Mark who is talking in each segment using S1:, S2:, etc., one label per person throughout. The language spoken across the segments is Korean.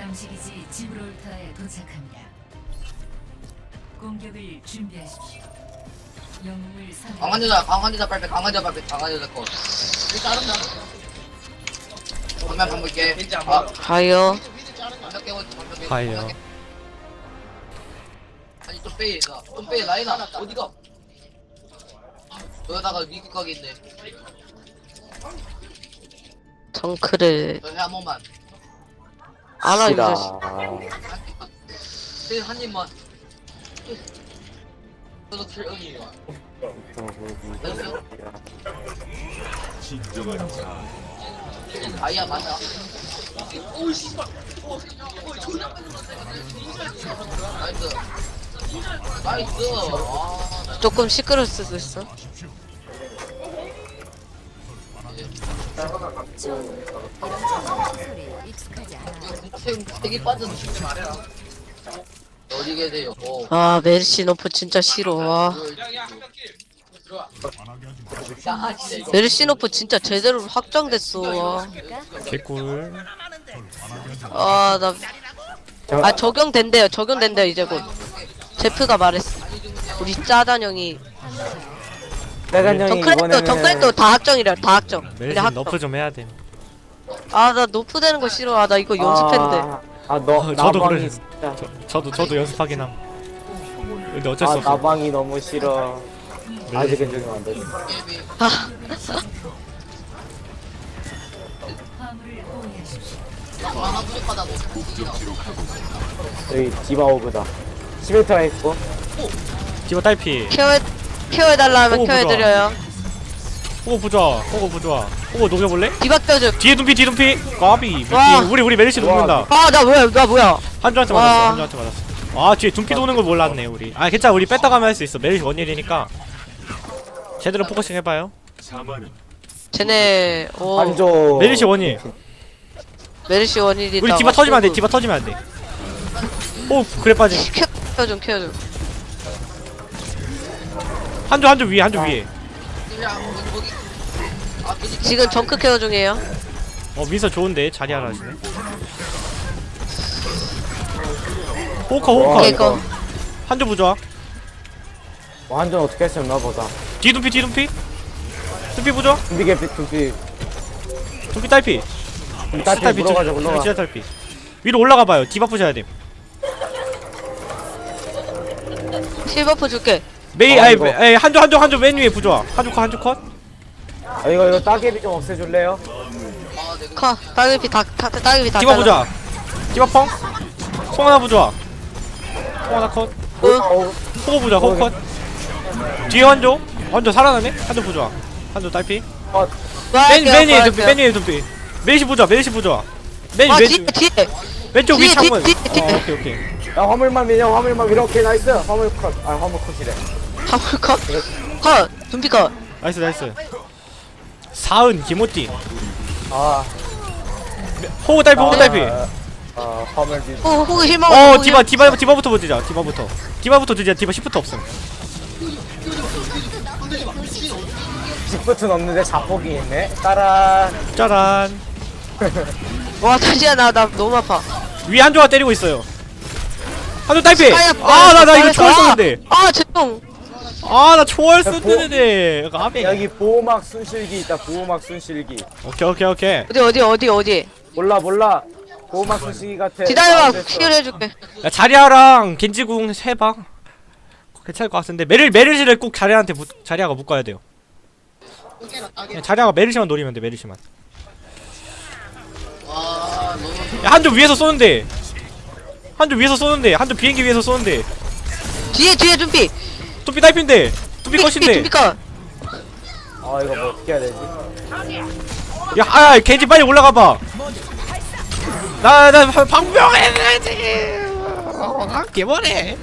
S1: 탐지기지 지브롤터에 도착합니다. 공격을 준비하십시오. 영웅을 선택.
S2: 강한 여자 빨리 강한 여자 거. 우리 자른다. 정면 방볼게.
S3: 가요.
S2: 방벽 깨고 방벽
S4: 가요.
S2: 아니 좀 빼. 좀 빼. 라인아 어디가? 여기다가 미국 가게 있네.
S3: 정크를
S2: 저희 한 번만.
S3: 알아 이
S5: 싫어.
S3: 자식.
S2: 한 입만. 저도 킬형이에요. 아이야 맞아. 오이 씨발. 나이스. 나이스.
S3: 조금 시끄러울 수도 있어.
S2: 되게 빠져 죽지 말해라. 어디게 돼요?
S3: 아 메르시 너프 진짜 싫어. 와. 메르시 너프 진짜 제대로 확정됐어. 와.
S4: 개꿀.
S3: 아 나 적용된대요. 적용된대요 이제 곧. 제프가 말했어. 우리 짜잔 형이.
S5: 짜잔 형이
S3: 정크랩도
S5: 이번에는
S3: 다 확정이래. 다 확정. 근데
S4: 메르시
S3: 확정.
S4: 너프 좀 해야 돼.
S3: 아나 노프 되는 거 싫어. 아 나 이거 연습했는데.
S5: 너
S4: 저도
S5: 나방이
S4: 그래.
S5: 진짜
S4: 저도 연습하긴 함. 근데 어쩔 수 없어.
S5: 나방이 너무 싫어. 아직은 적용 안 되지.
S3: 아
S1: 화물을 보호하십시오.
S2: 하나 부족하다 뭐.
S5: 여기 디바오브다. 11터가 있고
S4: 디바 딸피.
S3: 케어해달라 하면
S4: 오, 보자.
S3: 케어해드려요.
S4: 호구 부좋아. 호구 부좋아. 호구 녹여볼래?
S3: 디박 껴줘.
S4: 뒤에 둠피. 까비.
S3: 와.
S4: 우리 메르시 녹는다.
S3: 아 나 뭐야.
S4: 한조한테
S3: 와.
S4: 맞았어. 한조한테 맞았어. 아 뒤에 둠피 도는 걸 몰랐네 우리. 아 괜찮아. 우리 뺐다 가면 할 수 있어. 메르시 원일이니까 제대로 포커싱 해봐요.
S3: 쟤네
S5: 한조
S4: 메르시 원일.
S3: 메르시 원일이다.
S4: 우리 디바 터지면 안 돼. 디바 터지면 안 돼. 오 그래 빠짐.
S3: 케어 좀.
S4: 한조 위에. 한조 위에.
S3: 지금 정크 케어 중이에요.
S4: 민서 좋은데 자리하라 하시네. 호커.
S3: 오케이 거.
S4: 한조 부좋아.
S5: 완전 어떻게 했었나 보다.
S4: 뒤 둠피. 둠피 부좋아.
S5: 둠비 개피 둠비
S4: 둠피 딸피.
S5: 딸피 물어가자 올라가.
S4: 진짜 딸피. 위로 올라가봐요. 디바 부셔야 돼.
S3: 실버프 줄게.
S4: 메이
S5: 이거.
S4: 한조 맨 위에 부좋아. 한조 컷.
S5: 아 이거 따개비 좀 없애줄래요?
S3: 따개비 다
S4: 디바
S3: 잘라.
S4: 부좋아. 디바 펑. 송하나 부좋아. 송하나 컷. 호구 부좋아. 호구 컷. 뒤에 한조 살아나네. 한조 부좋아. 한조 딸피. 맨 위에 둠피. 메이시 부좋아. 맨
S3: 아
S4: 왼쪽
S3: 뒤에.
S4: 왼쪽 위 창문.
S3: 뒤에.
S4: 오케이.
S5: 야 화물만 이렇게 나이스. 화물 컷. 화물 컷이래.
S3: 화물 컷. 둠피 컷.
S4: 나이스. 사은 김호띠.
S5: 아
S4: 호구 딸피.
S5: 화물 뒤.
S3: 호그 실망.
S4: 디바부터 보자. 디바부터 드자. 디바 시프트 없음.
S5: 직부튼 없는데 자폭이 있네. 따라.
S4: 짜란.
S3: 와 다시야 나 너무 아파.
S4: 위 한조가 때리고 있어요. 한조 딸피.
S3: 스카이야,
S4: 나 이거 초월 썼는데.
S3: 아 죄송.
S4: 나 초월 썼는데. 까비.
S5: 여기 보호막 순실기 있다. 보호막 순실기.
S4: 오케이.
S3: 어디.
S5: 몰라. 보호막 순실기 같아.
S3: 기다려봐.
S5: 됐어.
S3: 퀴어 해줄게.
S4: 야 자리아랑 겐지궁 해봐. 괜찮을 것 같은데 메르시를 꼭 자리아가 묶어야 돼요. 그냥 자리아가 메르시만 노리면 돼. 메르시만. 야 한조 위에서 쏘는데. 한조 비행기 위에서 쏘는데.
S3: 뒤에 둠피.
S4: 뚜피 딸핀데. 뚜피 컷인데.
S3: 둠피 컷.
S5: 아 이거 뭐 어떻게 해야 되지?
S4: 야 겐지 빨리 올라가봐. 나 방병해야지. 개머네.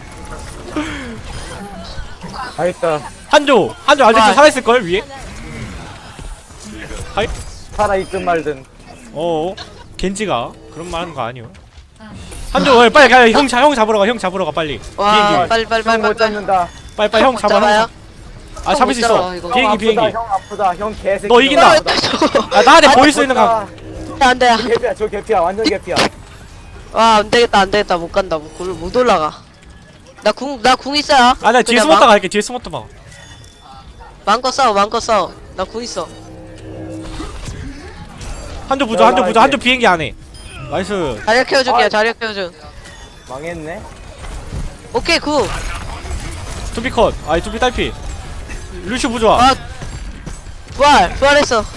S5: 아 있다.
S4: 한조 아직도 살아있을걸 위에?
S5: 살아있든 말든.
S4: 겐지가 그런 말 하는 거 아니오. 한조 빨리 가. 형 잡으러 가 빨리.
S3: 와
S4: 비행기
S3: 빨리.
S5: 못 잡는다.
S4: 빨리 형 잡아.
S3: 잡아요?
S4: 잡을 수
S3: 못
S4: 있어.
S3: 잡아, 이거.
S4: 비행기.
S5: 형 아프다. 형 개새끼.
S4: 너 이긴다.
S3: 저거.
S4: 나한테 보일 수 있는 거.
S3: 안돼.
S5: 개피야. 저 개피야. 완전 개피야.
S3: 와 안되겠다 안되겠다 못간다 못 올라가. 나 궁 있어요.
S4: 아 나 뒤에
S3: 그냥
S4: 숨었다 갈게. 뒤에 숨었다 봐.
S3: 마음껏 싸워. 나 궁 있어.
S4: 한조 부자 한조 비행기 안해. 나이스.
S3: 자리야 키워줄게요. 자리야 키워줘.
S5: 망했네.
S3: 오케이 굿.
S4: 투비 컷. 아이 투비 딸피. 루슈 부자.
S3: 아 부활했어.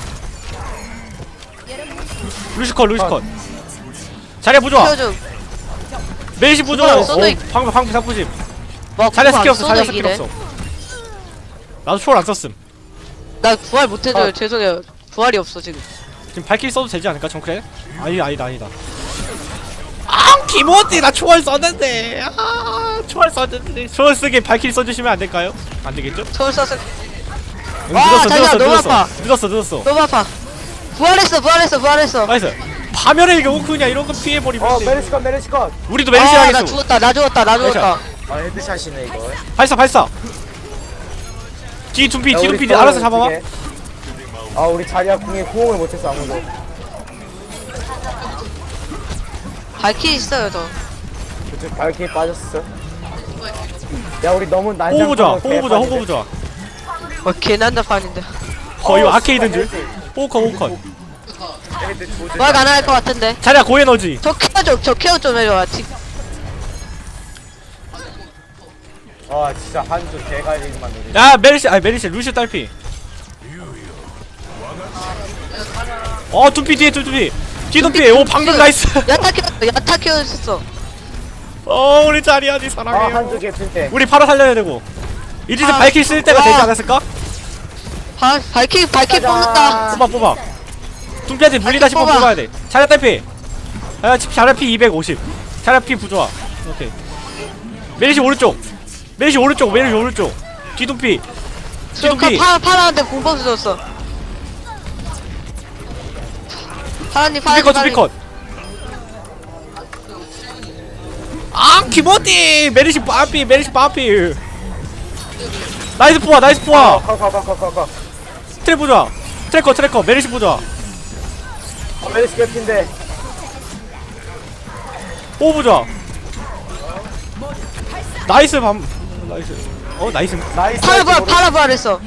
S4: 루슈 컷. 자리야 부자.
S3: 키워줘.
S4: 메이시 부자.
S3: 써도
S4: 방금 사부심.
S3: 와
S4: 자리야
S3: 궁
S4: 스킬
S3: 안
S4: 없어.
S3: 써도
S4: 자리야 스킬
S3: 이기네.
S4: 없어. 나도 초월 안 썼음.
S3: 나 부활 못해줘요. 죄송해요. 부활이 없어 지금.
S4: 지금 발길 써도 되지 않을까 정크레? 아니다. 아 김호띠 나 초월 썼는데. 아 초월 썼는데. 초월 쓰게 발길 써주시면 안 될까요? 안 되겠죠?
S3: 초월 쐈을.
S4: 응,
S3: 와, 자리야, 너무 아파.
S4: 늦었어.
S3: 너무 아파. 부활했어.
S4: 나이스. 파멸의 경우냐 이런 거 피해버리면 돼.
S5: 메르시 컷.
S4: 우리도 메르시
S3: 나
S4: 하겠어.
S3: 죽었다. 나 죽었다.
S5: 아, 헤드샷이네, 이거.
S4: 발사. 뒤 둠피
S5: 야, 우리
S4: 알아서
S5: 또
S4: 잡아봐.
S5: 어떻게? 아, 우리 자리야 궁에 호응을 못했어, 아무도.
S3: 발키 있어요 저.
S5: 그쪽 발키에 빠졌어. 야, 우리 너무
S4: 호구
S5: 난장.
S4: 보자. 호구 보자.
S3: 개난다판인데.
S4: 이거 아케이드인 줄. 호우컷.
S3: 부활 가능할 것 같은데.
S4: 자리야 고에너지.
S3: 저 케어 좀 해줘.
S5: 아, 진짜 한조 대가리만 노리.
S4: 야 메리시 루시 딸피. 둠피 뒤에 둠피. 뒤 둠피. 오 방금 나이스.
S3: 야타 키워줬어.
S4: 우리 자리야 니
S5: 아,
S4: 사랑해요.
S5: 한조 개핀데.
S4: 우리 바로 살려야 되고. 이제
S3: 아,
S4: 발킬 쓸 때가 되지
S3: 와.
S4: 않았을까?
S3: 발키 뽑는다.
S4: 뽑아. 둠피한테 물리다 싶으면
S3: 뽑아.
S4: 뽑아야 돼. 자리야 딸피. 자리야 피 250. 자리야 피 부좋아. 오케이. 메리시 오른쪽. 뒤둠피. 뒤둠피.
S3: 파라한테 공법 줬어. 파라님.
S4: 투비컷. 아 키모띠. 메리시 빠삐. 나이스 포화.
S5: 가.
S4: 트랩 보자. 트래커. 메리시 보자.
S5: 메르시 개핀데.
S4: 오 보자. 나이스. 나이스.
S5: 나이스.
S3: 파라 부활했어.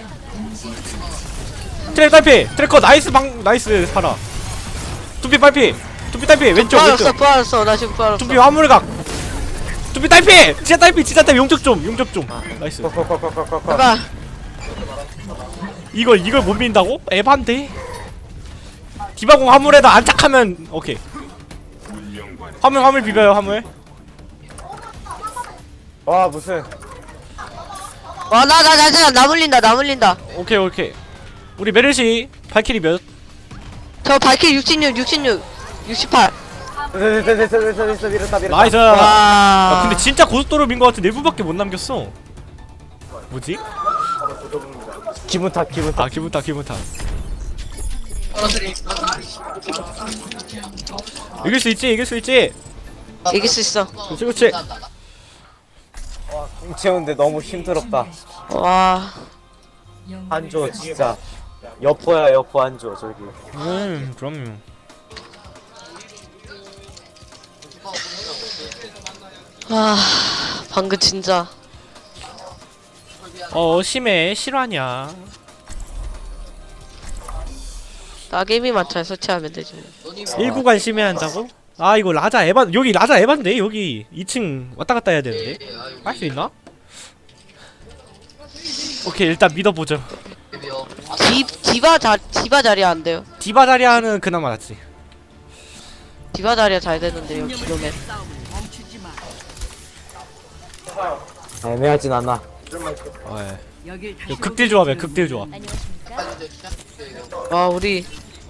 S4: 트랩 딸피. 트래커 나이스 파라. 둠피 딸피. 왼쪽.
S3: 부활했어. 나 지금 부활했어.
S4: 둠피 화물각. 둠피 딸피. 진짜 딸피. 용적 좀. 나이스.
S3: 제발.
S4: 이걸 못 민다고? 에반데. 디바공 화물에다 안착하면 오케이. 화물 비벼요 화물.
S5: 와, 무슨.
S3: 나 물린다.
S4: 오케이. 우리 메르시 발키리 몇?
S3: 저 발키 68.
S5: 됐어, 밀었다.
S4: 나이스. 야,
S3: 와.
S4: 근데 진짜 고속도로 민 거 같은 4분밖에 못 남겼어. 뭐지?
S5: 기분 탓.
S4: 아 기분 탓. 이길 수 있지.
S3: 이길 수 있어.
S4: 그렇지.
S5: 공 채우는데 너무 힘들었다.
S3: 와.
S5: 한조, 진짜. 여포야, 여포 한조, 저기.
S4: 그럼요.
S3: 방금 진짜.
S4: 심해. 실화냐?
S3: 나게임이만 잘 설치하면 되지.
S4: 1구간 심해한다고? 아 이거 라자 에반. 여기 라자 에반데. 여기 2층 왔다 갔다 해야 되는데. 할 수 있나? 오케이 일단 믿어보죠.
S3: 디바 자리야 안 돼요.
S4: 디바 자리아는 그나마 낫지.
S3: 디바 자리야 잘 되는데요. 기로면.
S5: 애매하진 않아.
S4: 예. 극딜 조합이야.
S3: 와 우리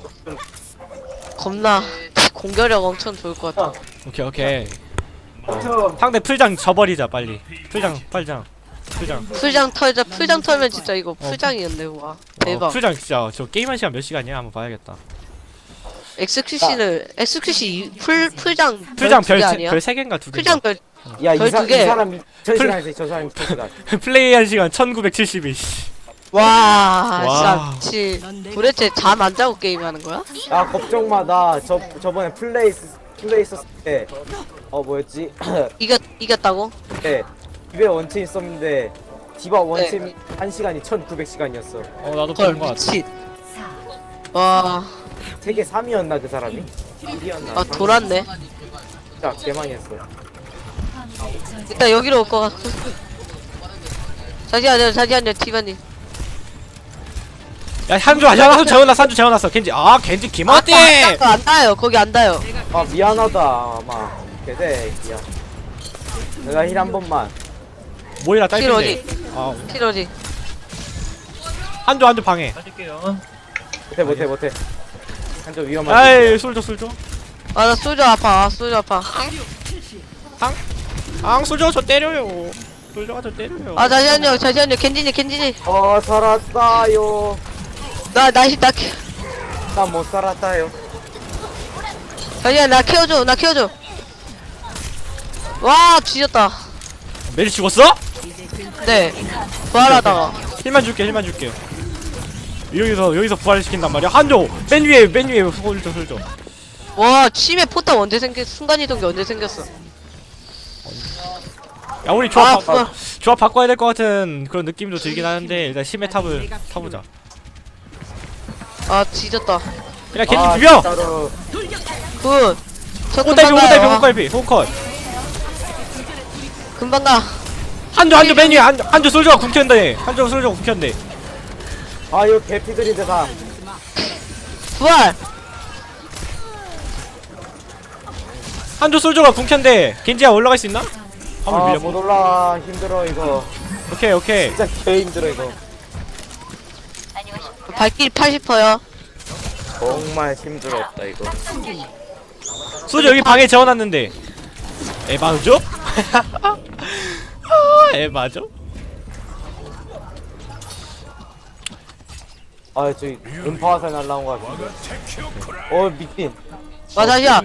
S3: 겁나 공격력 엄청 좋을 것 같아.
S4: 오케이. 상대 풀장 져버리자 빨리. 풀장.
S3: 풀장 털면 진짜 이거 풀장이었네. 와 대박.
S4: 풀장 진짜 저 게임한 시간 몇 시간이야? 한번 봐야겠다.
S3: 엑스큐시 풀장
S4: 풀장
S3: 별 2개 아니야?
S4: 별 3개인가 2개.
S3: 풀장 별
S5: 야, 이
S3: 별 두 개.
S5: 사람 1000시간 했어, 저 사람 1000시간.
S4: 플레이한 시간 1972.
S3: 와,
S4: 와.
S3: 진짜 미치. 도대체 잠 안 자고 게임하는 거야?
S5: 야, 걱정 마. 나 저번에 플레이 팀에 있었을 때 뭐였지?
S3: 이겼다고?
S5: 네 집에 원체 있었는데 디바 원체 1시간이 1900시간이었어.
S4: 나도
S3: 헐
S4: 그런 거 같아.
S3: 미친.
S1: 4,
S3: 와,
S5: 세계 3위였나 그 사람이? 1위였나?
S3: 아 돌았네.
S5: 진짜 개망했어.
S1: 화물을 저지.
S3: 일단 여기로 올 것 같아. 자기한테 티바님.
S4: 야 한주 재워놨어 한주 재워놨어. 겐지 겐지 김어띠.
S3: 안 닿아요. 거기 안 닿아요.
S5: 아 미안하다 아마 개새끼야. 내가 힐 한 번만.
S4: 모이라
S3: 킬
S4: 딸핀데.
S3: 어디? 킬 어디?
S4: 한주 방해.
S5: 못해 한점 위험한.
S4: 아이 술줘.
S3: 아 나 소주 아파. 소주 아파.
S4: 술줘 저 때려요. 술줘가 저 때려요.
S3: 아 잠시만요. 겐지니.
S5: 살았다요.
S3: 나
S5: 난 못 살았다요.
S3: 잠시만 나 키워줘. 와 뒤졌다.
S4: 메리 죽었어?
S3: 네. 부활하다가.
S4: 힐만 줄게. 여기서 부활시킨단 말이야. 한조 맨 위에 술줘.
S3: 와 치매 포탑 언제 순간이동기 언제 생겼어?
S4: 야 우리
S3: 아,
S4: 조합 바꿔야 될 것 같은 그런 느낌도 들긴 하는데 일단 심해 탑을 타보자.
S3: 아 뒤졌다.
S4: 그냥 겐지 비벼.
S5: 진짜로.
S3: 굿. 저
S4: 호딸비
S3: 금방 가요.
S4: 호컷.
S3: 금방 가.
S4: 한조 맨 위에 한조 솔저가 궁켰는데
S5: 아 이거 개피들인데 다.
S3: 부활.
S4: 한조 솔저가 궁켰는데 겐지야 올라갈 수 있나? 한번 밀려.
S5: 못 올라와. 힘들어 이거.
S4: 오케이.
S5: 진짜 개 힘들어 이거.
S3: 발길이 80%요.
S5: 정말 힘들었다 이거.
S4: 솔저 여기 방에 재워놨는데 에바죠? 에바죠?
S5: 아 저기 음파화살 날라온 거 같은데. 미친.
S3: 맞아요.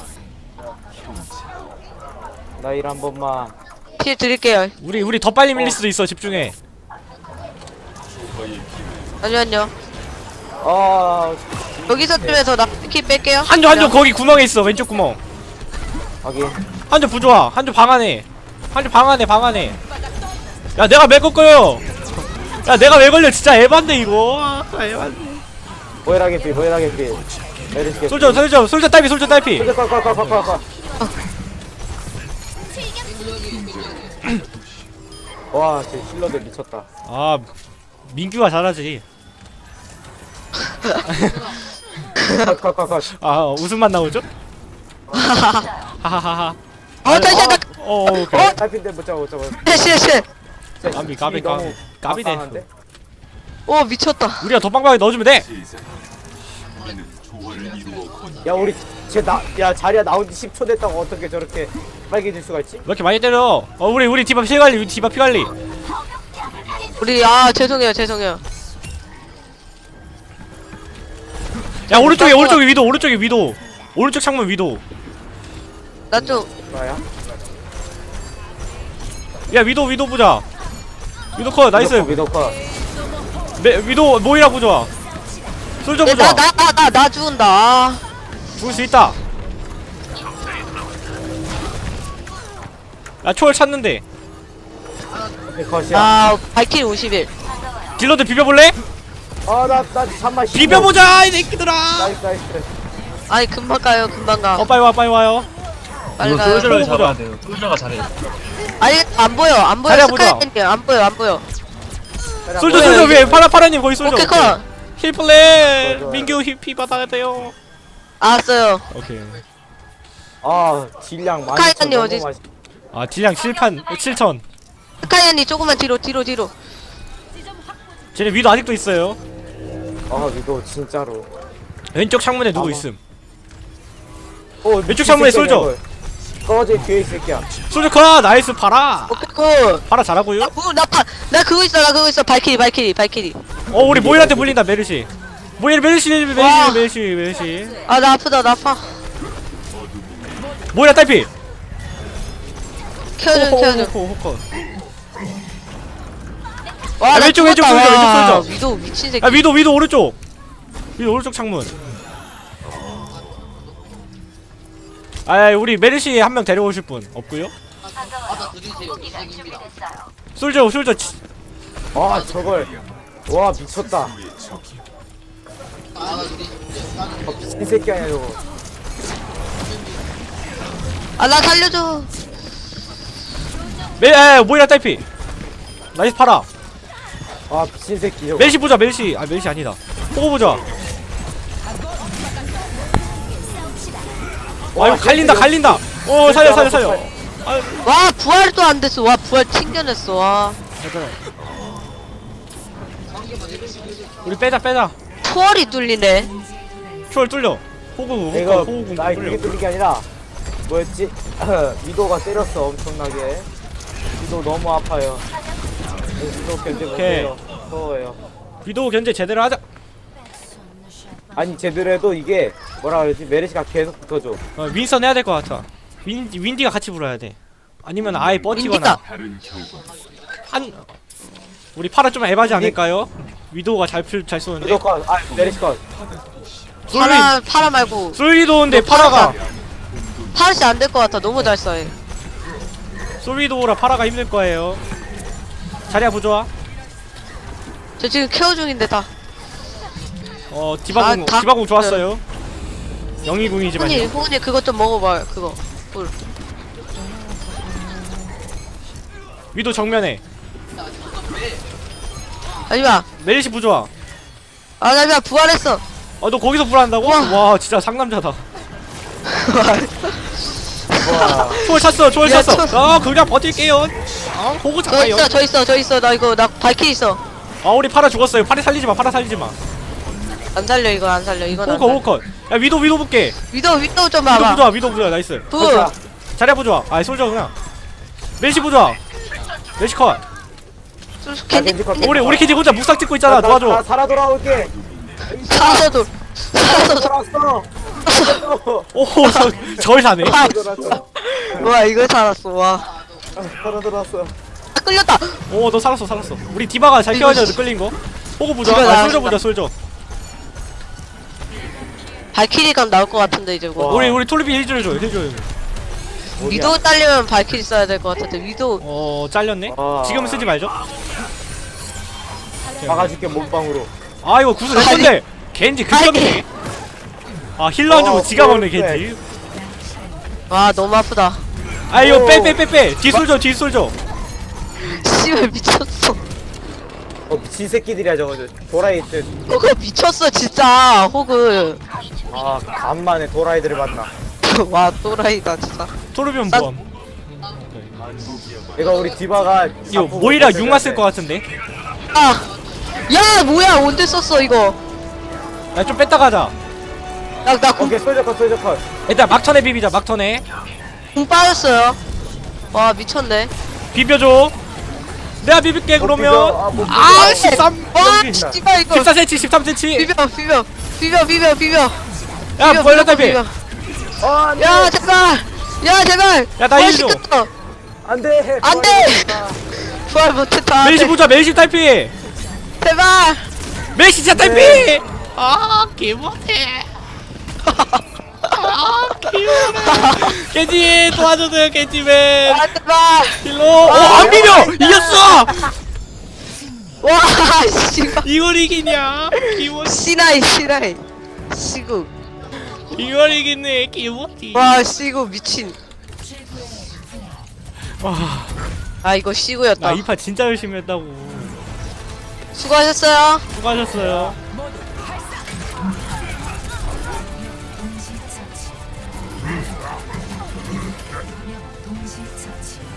S5: 나 일 한 번만.
S3: 킬 드릴게요.
S4: 우리 더 빨리 밀릴 수도 있어. 집중해.
S3: 잠시만요. 여기서 쯤에서 나 킬 뺄게요.
S4: 한조 거기 구멍에 있어. 왼쪽 구멍.
S5: 확인.
S4: 한조 부좋아. 한조 방 안에. 야 내가 왜 꺾어요? 야 내가 왜 걸려? 진짜 에반데 이거. 에반데.
S5: 보이라게 피. 메르시게.
S4: 솔저 딸피.
S5: 꽉. 와, 제 힐러들 미쳤다.
S4: 민규가 잘하지.
S5: 꽉.
S4: 웃음만 나오죠? 하하하하.
S3: 다시야 나.
S4: 오케이.
S5: 탈핀데 못 잡아.
S3: 씨.
S4: 까비네.
S3: 오 미쳤다.
S4: 우리가 더 빵빵하게 넣어주면 돼.
S5: 야, 우리 자리야 나온 지 10초 됐다고 어떻게 저렇게 빨개질 수가 있지?
S4: 왜 이렇게 많이 때려? 우리 디바 피 관리.
S3: 우리 죄송해요.
S4: 야 오른쪽에 위도. 오른쪽 창문 위도.
S3: 나 좀.
S5: 뭐야?
S4: 야 위도 보자. 위도 컷 나이스.
S5: 위도커.
S4: 위도 모이라 보자. 솔저 보자.
S3: 나 죽은다.
S4: 죽을 수 있다. 야 초월 찾는데.
S5: 컷이야.
S3: 발킬 51.
S4: 딜러들 비벼볼래?
S5: 나 잠만.
S4: 비벼보자 이 새끼들아.
S5: 나이스.
S3: 아니 금방 가.
S4: 빨리 와요.
S3: 빨리 가요.
S4: 솔저를 잡아야
S6: 돼요. 솔저가 잘해.
S3: 아니 안 보여.
S4: 자리야 보자.
S3: 스카이님 안 보여.
S4: 솔저 위에 파라님 거기 솔저.
S3: 오케이 컷.
S4: 힐 플레이.
S5: 좋아.
S4: 민규 힐피 받아야 돼요.
S3: 알았어요.
S4: 오케이.
S5: 딜량 많이.
S3: 스카이님 어디?
S4: 딜량 7천.
S3: 스카이님 조금만 뒤로.
S4: 쟤네 위도 아직도 있어요.
S5: 위도 진짜로.
S4: 왼쪽 창문에 누구 있음. 왼쪽
S5: 이
S4: 창문에
S5: 새끼야,
S4: 솔져.
S5: 이거. 꺼져 뒤에 이 새끼야.
S4: 솔저 컷 나이스 파라.
S3: 오케이 컷.
S4: 파라 잘하고요.
S3: 나 그거 있어. 발키리.
S4: 우리 모일한테 물린다 메르시. 메르시.
S3: 아 나 아파.
S4: 모이라 딸피.
S3: 키워줘.
S4: 호컷.
S3: 와, 나
S4: 왼쪽
S3: 죽었다.
S4: 솔져, 왼쪽
S3: 와,
S4: 솔져.
S3: 위도 미친 새끼.
S4: 위도 오른쪽. 위도 오른쪽 창문. 아 우리 메르시 한 명 데려오실 분 없고요.
S2: 받아 드리세요. 이생입니다.
S4: 솔저
S5: 아 저걸 와 미쳤다.
S2: 받아 드리세요.
S5: 미친 새끼 아니야 저거.
S3: 아 나 살려줘.
S4: 모이라 딸피. 나이스 팔아.
S5: 아 미친 새끼 저거.
S4: 메르시 보자 메르시. 아 메르시 아니다. 호구 보자. 아 이거 갈린다. 오 살려.
S3: 와 부활도 안 됐어. 와 부활 튕겨냈어. 와
S4: 우리 빼자.
S3: 투월이 뚫리네.
S4: 추월 뚫려. 호구
S5: 이거
S4: 뚫려.
S5: 나 이게 뚫린 게 아니라 뭐였지? 위도가 때렸어 엄청나게. 위도 너무 아파요. 위도 견제 못해요. 무서워요.
S4: 위도우 견제 제대로 하자.
S5: 아니 제대로 해도 이게 뭐라 그러지? 메르시가 계속 붙어줘.
S4: 윈선 해야 될 것 같아. 윈디가 같이 불어야 돼. 아니면 아예 뻗치거나. 한 우리 파라 좀 에바지 않을까요? 위도우가 잘 쏘는데.
S5: 무조건 아 메르시 컷.
S3: 파라 말고
S4: 솔위도우인데 파라가
S3: 파르시 안 될 것 같아. 너무 잘 쏴해.
S4: 솔위도우라 파라가 힘들 거예요. 자리야 부좋아.
S3: 저 지금 케어 중인데 다.
S4: 디바공
S3: 다-
S4: 디바공 좋았어요. 영희궁이지만요.
S3: 호은이 그것 좀 먹어봐. 그거. 꿀.
S4: 위도 정면에
S3: 아니야.
S4: 메리시 부좋아.
S3: 아 나비야 부활했어.
S4: 너 거기서 불한다고? 와 진짜 상남자다.
S5: 와.
S4: 초월 찼어.
S3: 야,
S4: 그냥 버틸게요. 호구 잡아요.
S3: 저 있어. 나 발키 있어.
S4: 우리 파라 죽었어요. 파라 살리지 마.
S3: 안 살려 이거 안 살려. 이건 안
S4: 호컷. 야 위도 볼게.
S3: 위도 좀 봐봐.
S4: 위도 부좋아. 나이스.
S3: 부.
S4: 자리야 부좋아. 솔저구나. 메리시 부좋아. 메리시 컷.
S3: 겐지
S4: 우리 키지 혼자 묵삭 찍고 있잖아.
S5: 나
S4: 도와줘.
S5: 살아 돌아올게.
S3: 살아도
S5: 돌아왔어.
S4: 오 저걸 사네.
S5: 돌아왔어.
S3: 와 이걸 살았어. 와
S5: 살아 돌아왔어.
S3: 끌렸다.
S4: 너 살았어. 우리 디바가 잘
S3: 이거
S4: 키워야 끌린 거. 호구
S3: 디바
S4: 부좋아.
S3: 나간다.
S4: 솔저.
S3: 발키리감 나올 것 같은데 이제 뭐.
S5: 와.
S4: 우리 톨비 힐 줘요.
S3: 위도 딸리면 발키리 써야 될 것 같은데 위도.
S4: 잘렸네. 지금 쓰지 말죠.
S5: 막아줄게 몸빵으로.
S4: 이거 구슬 내 건데. 겐지 극혐이네. 힐러 안 주고 지가 먹네 겐지.
S3: 와 너무 아프다.
S4: 이거
S5: 오.
S4: 빼. 뒷솔져.
S3: 씨발 미쳤어.
S5: 미친 새끼들이야 저거. 도라이들.
S3: 호그 미쳤어 진짜. 호그.
S5: 간만에 도라이들을 만나.
S3: 와 또라이다 진짜.
S4: 토르비온
S3: 난-
S4: 모험.
S5: 이거 우리 디바가
S4: 이거 모이라 6만 쓸 것 같은데.
S3: 야 뭐야 언제 썼어 이거.
S4: 좀 뺐다 가자.
S3: 나
S5: 오케이 솔저 컷.
S4: 일단 막턴에 비비자. 막턴에
S3: 공 빠졌어요. 와 미쳤네.
S4: 비벼줘. 내가 비빌게 그러면.
S5: 못
S4: 13.
S3: 와 씨발 이거.
S4: 14cm 13cm.
S3: 비벼.
S4: 야 벌레 딸피.
S3: 비벼.
S5: 안돼.
S3: 야 제발.
S4: 야, 나
S3: 부활
S4: 힐 줘.
S3: 시켰어.
S5: 안돼.
S3: 안돼. 부활 못했다.
S4: 메리시 보자. 메리시 딸피.
S3: 제발.
S4: 메리시 진짜 딸피. 개못해. 겐지 도와줘요 겐지맨.
S3: 제발.
S4: 힐러. 안 비벼. 이겼어.
S3: 와 씨발.
S4: 이걸 이기냐?
S3: 시나이. 시구.
S4: 이걸 이기네. 기모티.
S3: 와 시구 미친. 이거 시구였다.
S4: 나 이 판 진짜 열심히 했다고.
S3: 수고하셨어요.
S4: 수고하셨어요.
S1: 동시 처치.